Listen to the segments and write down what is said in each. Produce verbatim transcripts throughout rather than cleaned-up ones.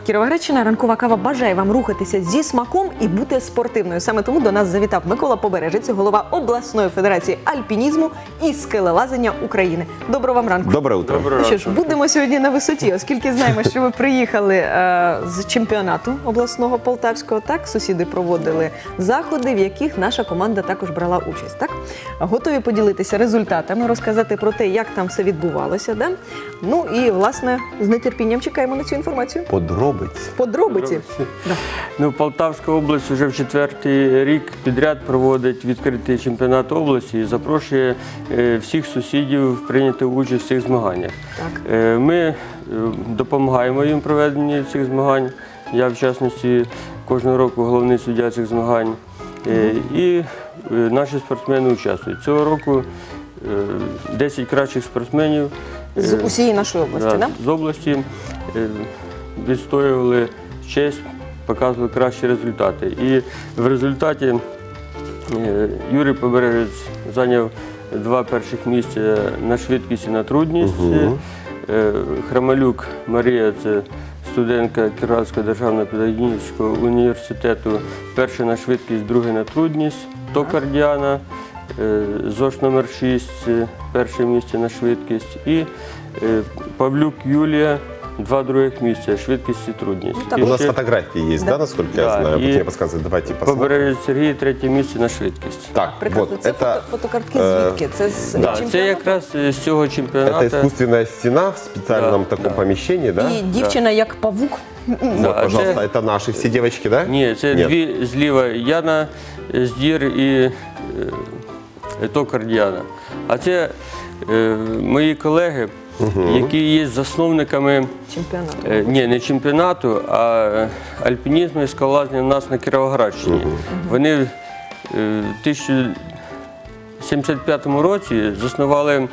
Кіровоградщина. Ранкова кава бажає вам рухатися зі смаком і бути спортивною. Саме тому до нас завітав Микола Побережець, голова обласної федерації альпінізму і скелелазання України. Доброго вам ранку. Добре утро. Ну що ж, будемо сьогодні на висоті, оскільки знаємо, що ви приїхали е, з чемпіонату обласного полтавського, так? Сусіди проводили заходи, в яких наша команда також брала участь, так? Готові поділитися результатами, розказати про те, як там все відбувалося, да? Ну і, власне, з нетерпінням чекаємо на цю інформацію. Подробиці. Подробиці. Да. Ну, Полтавська область вже в четвертий рік підряд проводить відкритий чемпіонат області і запрошує е, всіх сусідів прийняти участь в цих змаганнях. Так. Е, ми е, допомагаємо їм в проведенні цих змагань. Я, в частності, кожного року головний суддя цих змагань. Е, і е, наші спортсмени участвують. Цього року е, десять кращих спортсменів е, З усієї нашої області, да, так? з області е, відстоювали честь, показували кращі результати. І в результаті е, Юрій Побережець зайняв два перших місця на швидкість і на трудність. Угу. Е, Храмалюк Марія, це студентка Кіровоградського державного педагогічного університету, перша на швидкість, друга на трудність. Токар Діана, е, ЗОШ номер шість, перше місце на швидкість. І е, Павлюк Юлія, два других місця, швидкість і трудність. Ну, І У нас ще фотографии есть, да, Да. насколько Да, я знаю? и Вот мне подсказывают, давайте посмотрим. Побережець Сергій, третє місце на швидкість. Так, Прекрасно. вот, Це это, фото, фотокартки е, звідки? Це з Да, чемпіонату? це якраз з цього чемпіонату. это искусственная стена в специальном Да, таком да. помещении, да? І дівчина як павук. Вот, Да, пожалуйста, це- это наши все девочки, да? Ні, це Нет. дві зліва Яна Здір і е, Токар Діана. А це е, мої колеги, які є засновниками Чемпіонату. е, ні, не чемпіонату, а альпінізму і скалолазання у нас на Кіровоградщині. Вони е, в тисяча дев'ятсот сімдесят п'ятому році заснували е,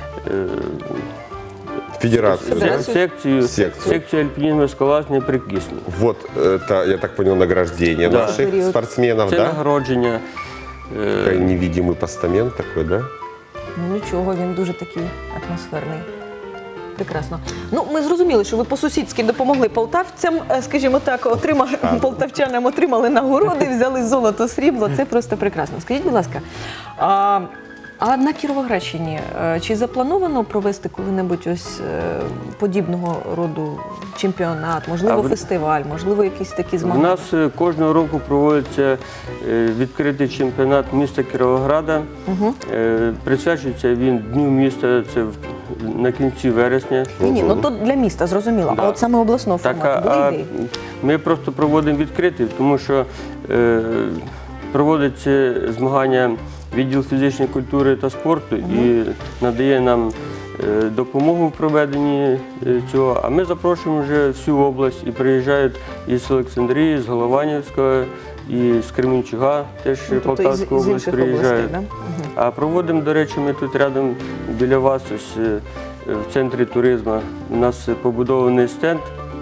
Федерация, да? Федерацию. секцію, Секцію. секцію альпінізму і скалолазання при Кисню. Вот это, я так понял, награждение Да. наших Период. спортсменов, Це да? нагородження. е, Такой невидимый постамент такой, да? Ну нічого, він дуже такий атмосферний. Прекрасно. Ну, ми зрозуміли, що ви по-сусідськи допомогли полтавцям, е, скажімо так, отримали, полтавчанам отримали нагороди, взяли золото, срібло. Це просто прекрасно. Скажіть, будь ласка, а, а на Кіровоградщині е, чи заплановано провести коли-небудь ось е, подібного роду чемпіонат, можливо, А в- фестиваль, можливо, якісь такі У змагання? нас е, кожного року проводиться е, відкритий чемпіонат міста Кіровограда. Угу. Е, Присвячується він Дню міста, це в- на кінці вересня. Ні, ні, ну то для міста, зрозуміло. Да. А от саме обласного Так, формату а, були а ідеї? ми просто проводимо відкритий, тому що е, проводиться змагання відділ фізичної культури та спорту і надає нам е, допомогу в проведенні е, цього. А ми запрошуємо вже всю область і приїжджають із Олександрії, з Голованівського, і з Кременчуга, теж Ну, тобто Полтавська із- із область інших приїжджають. областей, да? Мгм. А проводимо, до речі, ми тут рядом біля вас, ось е, в центрі туризму. У нас побудований стенд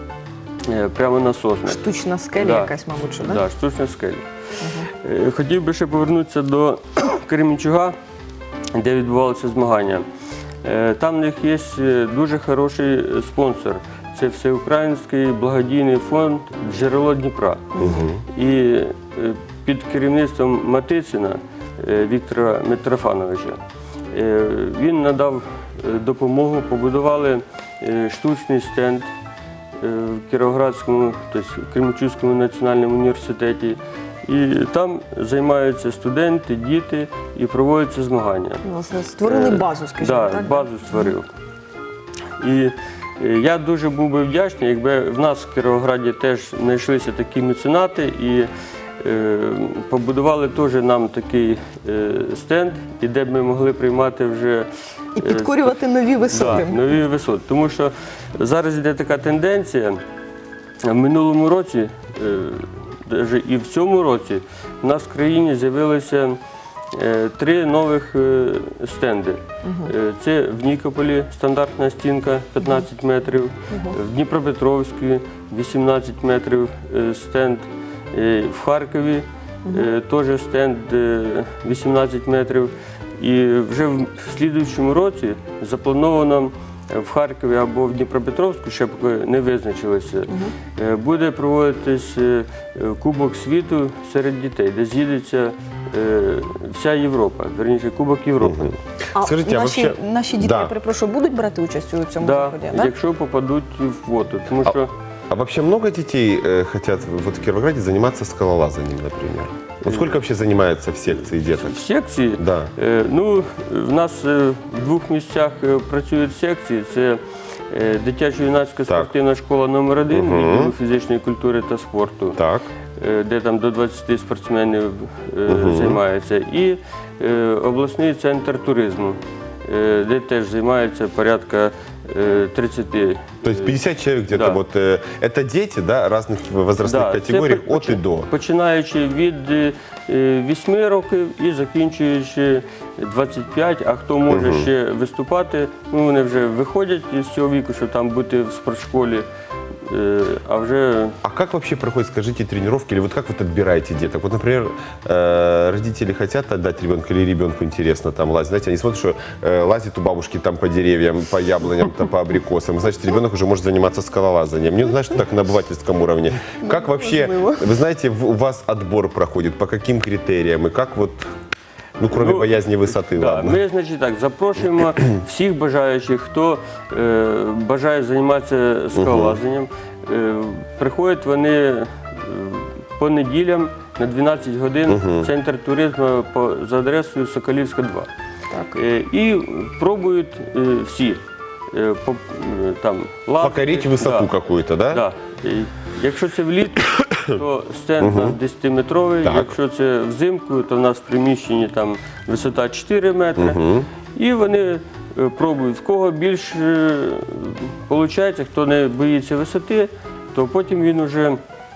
е, прямо на соснах. Штучна скеля Да. якась, мабуть, що, Так, да? да, штучна скеля. Е, Хотів би ще повернутися до Кременчуга, де відбувалися змагання. Е, Там в них є е, дуже хороший спонсор. Це Всеукраїнський благодійний фонд «Джерело Дніпра». І е, під керівництвом Матицина е, Віктора Митрофановича е, він надав е, допомогу, побудували е, штучний стенд е, в Кіровоградському, тобто в Кременчуцькому національному університеті. І там займаються студенти, діти і проводяться змагання. Власне, створили Е, базу, скажімо да, так? базу створив. І е, я дуже був би вдячний, якби в нас в Кіровограді теж знайшлися такі меценати і е, побудували теж нам такий е, стенд, і де б ми могли приймати вже І е, підкорювати нові висоти. Да, нові висоти. Тому що зараз йде така тенденція. В минулому році, е, даже і в цьому році, в нас в країні з'явилося е, три нових е, стенди. Е, Це в Нікополі стандартна стінка п'ятнадцять метрів, в Дніпропетровську вісімнадцять метрів е, стенд, е, в Харкові е, теж стенд е, вісімнадцять метрів. І вже в слідуючому році заплановано в Харкові або в Дніпропетровську, ще поки не визначилися, е, буде проводитись е, Кубок світу серед дітей, де з'їдеться е, вся Європа, верніше Кубок Європи. А Скажіть, а наші, вообще- наші діти, Да. я перепрошую, будуть брати участь у цьому Да, заході? Да? якщо попадуть в воду. Тому що А вообще много детей э, хотят вот в Кировограде заниматься скалолазанием, например? Вот сколько вообще занимается в секции деток? в секції, Да. е, ну, в нас е, в двох місцях е, працюють секції. Це е, дитячо-юнацька спортивна школа номер один Мгм. відділу фізичної культури та спорту. Так. Е, де там до двадцяти спортсменів е, займається, і е, обласний центр туризму, е, де теж займається порядка е, тридцяти. То есть пятьдесят человек где-то Да. вот. э, Это дети, да, разных возрастных Да, категорий це от и до. Починаючи від е, вісьми років і закінчуючи двадцять п'ять, а хто може ще виступати, ну вони вже виходять з цього віку, щоб там бути в спортшколі, е, а вже А как вообще проходит, скажите, тренировки, или вот как вот отбираете деток? Вот, например, э, родители хотят отдать ребенка, или ребенку интересно там лазить. Знаете, они смотрят, что э, лазит у бабушки там по деревьям, по яблоням, там, по абрикосам. Значит, ребенок уже может заниматься скалолазанием. Мне, знаешь, так на обывательском уровне. Как вообще, вы знаете, в- у вас отбор проходит, по каким критериям, и как вот, ну, кроме Ну, боязни высоты, Да, ладно. ми, значить, так, запрошуємо всіх бажаючих, хто е, бажає займатися скалолазанням. Е, приходять вони е, по неділям на дванадцять годин в центр туризму по, за адресою Соколівська, два. Так. Е, і пробують е, всі е, по, е, там, лазити. Покорить высоту Да. какую-то, да? Да. І Якщо це влітку, то стенд у нас десятиметровий. Так. Якщо це взимку, то в нас в приміщенні там висота чотири метри. І вони е, пробують. В кого більше виходить, хто не боїться висоти, то потім він вже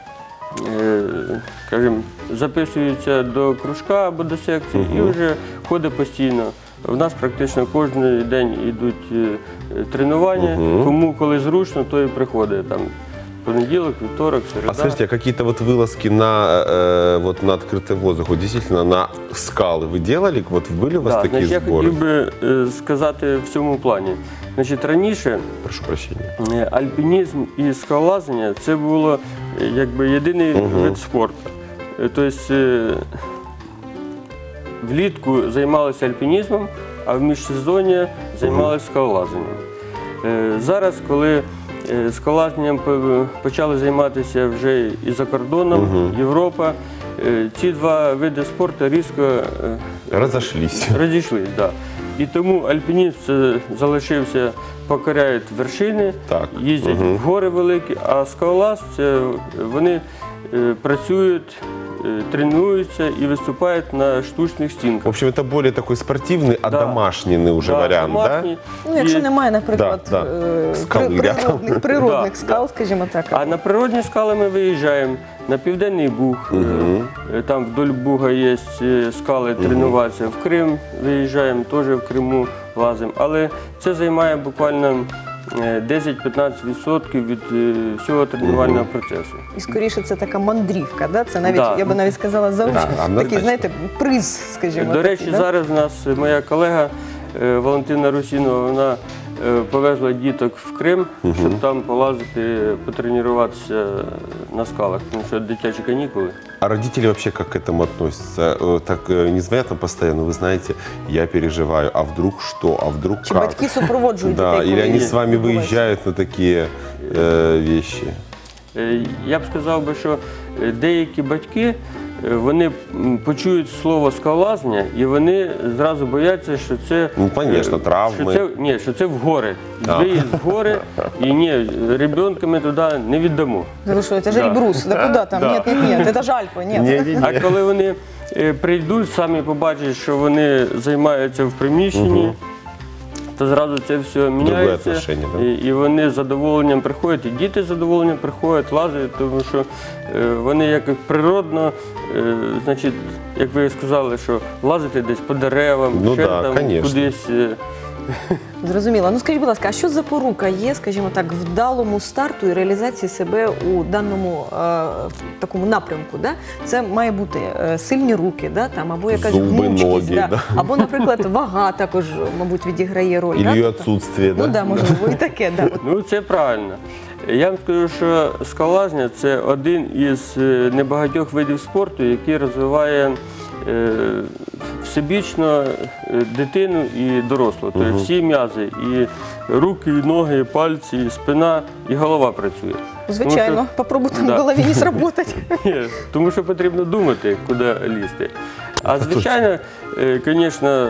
е, скажімо, записується до кружка або до секції і вже ходить постійно. У нас практично кожен день йдуть е, тренування, кому коли зручно, то і приходить там. Понеділок, вівторок, середа. А скажите, а какие-то вот вылазки на, э, вот на открытый воздух, вот действительно на скалы вы делали? Вот были у вас Да, такие значить, я сборы? хотів би е, сказати в цьому плані. Значить, раніше Прошу прощения. е, альпінізм і скалолазання – це було е, якби єдиний вид спорту. Е, Тобто е, влітку займалися альпінізмом, а в міжсезоння займалися скалолазанням. Е, Зараз, коли е, скалолазанням по- почали займатися вже і за кордоном, Європа, е, ці два види спорту різко е, Разошлись. розійшлись. Да. І тому альпінізм це залишився, покоряють вершини, Так. їздять в гори великі, а скалолаз це вони е, працюють, е, тренуються і виступають на штучних В стінках. общем, это более такой спортивный, Да. одомашненный уже Да, вариант, домашні. Ну, якщо І- немає, наприклад, Да, да. е, Скали при- рядом. природних, природних Да, скал, скажімо так. А на природні скали ми виїжджаємо на Південний Буг, е, там вдоль Буга є е, скали тренуватися. В Крим виїжджаємо, теж в Криму лазимо. Але це займає буквально е, десять-п'ятнадцять відсотків від е, всього тренувального процесу. І скоріше це така мандрівка, да? Це навіть, Да. я би навіть сказала, за Да, такий, однозначно. знаєте, приз, скажімо. До речі, такий, да? зараз у нас моя колега е, Валентина Русінова, вона е, повезла діток в Крим, щоб там полазити, потренуватися на скалах, тому що дитячі канікули. А родители вообще как к этому относятся? Э, Так э, не звонят там постоянно, вы знаете, я переживаю, а вдруг что, а вдруг Чи как? батьки супроводжують Да, дітей? или коли они с вами відбувається? выезжают на такие э, вещи? Е, Я б сказав би, що е, деякі батьки е, вони м, почують слово скалолазання і вони зразу бояться, що це Ну, конечно, е, травми. Що це, ні, що це в гори. А. Виїзд в гори, і ні, ребенка ми туди не віддамо. Да ви що, це ж Да. Ельбрус, да куди там? Да. Ні, ні, ні, це ж Альпи, ні. Не-не-не. А коли вони е, прийдуть, самі побачать, що вони займаються в приміщенні, то зразу це все міняється. отношення, да? І, і вони з задоволенням приходять, і діти з задоволенням приходять, лазять, тому що е, вони як природно, е, значить, як ви сказали, що лазити десь по деревам, Ну ще да, там конечно. кудись. е, Зрозуміло. Ну скажіть, будь ласка, а що запорука є, скажімо так, вдалому старту і реалізації себе у даному е, такому напрямку? Да? Це має бути е, сильні руки, да? Там, або якась Зуби, гнучкість, ноги, да? да. або, наприклад, вага також, мабуть, відіграє роль. Или да? ее Тобто- отсутствие, Ну да? да, можливо, і таке. Да. От Ну, це правильно. Я вам скажу, що скалолазня – це один із е, небагатьох видів спорту, який розвиває е, всебічно е, дитину і дорослого. Тобто всі м'язи, і руки, і ноги, і пальці, і спина, і голова працює. Звичайно, Тому попробуйте Да. в голові не сработать. Ні, тому що потрібно думати, куди лізти. А звичайно, звісно,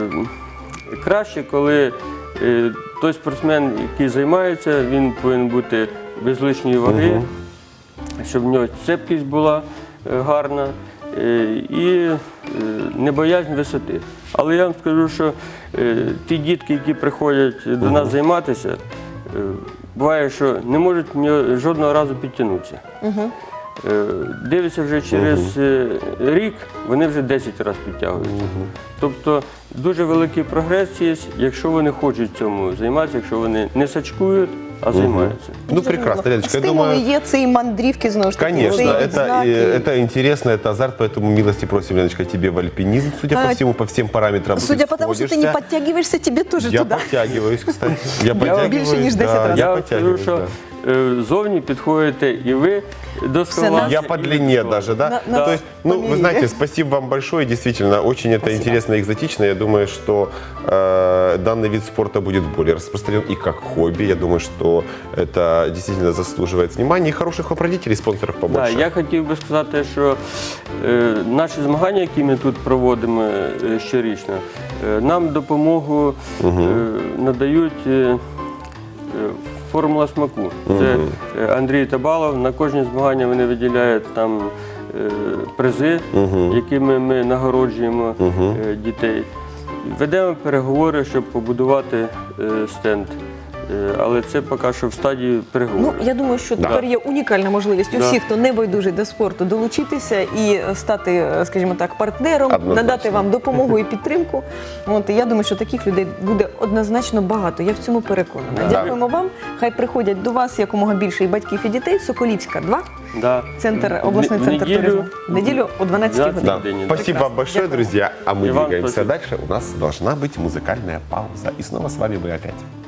краще, коли е, той спортсмен, який займається, він повинен бути без лишньої ваги, щоб в нього цепкість була е, гарна е, і е, не боязнь висоти. Але я вам скажу, що е, ті дітки, які приходять до нас займатися, е, буває, що не можуть ні- жодного разу підтягнутися. Е, Дивляться вже через е, рік, вони вже десять разів підтягуються. Тобто дуже великий прогрес є, якщо вони хочуть цьому займатися, якщо вони не сачкують, а займаються. Ну, прекрасно, Леночка, я Стимули думаю... є, це і мандрівки, знову ж таки. Конечно, це і это, відзнаки. э, это интересно, это азарт, поэтому милости просим, Леночка, тебе в альпинизм, судя А, по всему, по всем параметрам. Судя ты по тому, що ти не сходишься. подтягиваешься, тебе теж Я туди. подтягиваюсь, кстати. Я більше, подтягиваюсь, ніж десять да, разів. я Я вам скажу, подтягиваюсь, що да. е, зовні підходите і ви до скалолазня. Я і по ви длине до даже, да? На- на То есть, ну, померили. вы знаете, спасибо вам большое, действительно, очень это Спасибо. интересно и экзотично. Я думаю, что э, данный вид спорта будет более распространен и как хобби. Я думаю, что это действительно заслуживает внимания и хороших вопродителей, спонсоров Да, побольше. я хотів би сказати, що е, наші змагання, які ми тут проводимо е, щорічно, е, нам допомогу е, надають е, е, формула смаку. Це е, Андрій Табалов. На кожні змагання вони виділяють там е, призи, якими ми нагороджуємо е, дітей. Ведемо переговори, щоб побудувати е, стенд. Е, Але це поки що в стадії Ну, переговорів. я думаю, що тепер є унікальна можливість у Да. всіх, хто не байдужий до спорту, долучитися і стати, скажімо так, партнером, Однозначно. надати вам допомогу і підтримку. От, і я думаю, що таких людей буде однозначно багато. Я в цьому переконана. Да. Дякуємо вам. Хай приходять до вас якомога більше і батьків, і дітей. Соколівська, два. Да. Центр, В- обласний в центр неділю- туризму. В неділю о дванадцятій дванадцятій годині. Да. День. Спасибо Прекрасно. вам большое, Дякую. друзья. А мы И вам двигаемся спасибо. дальше. У нас должна быть музыкальная пауза. И снова с вами мы опять.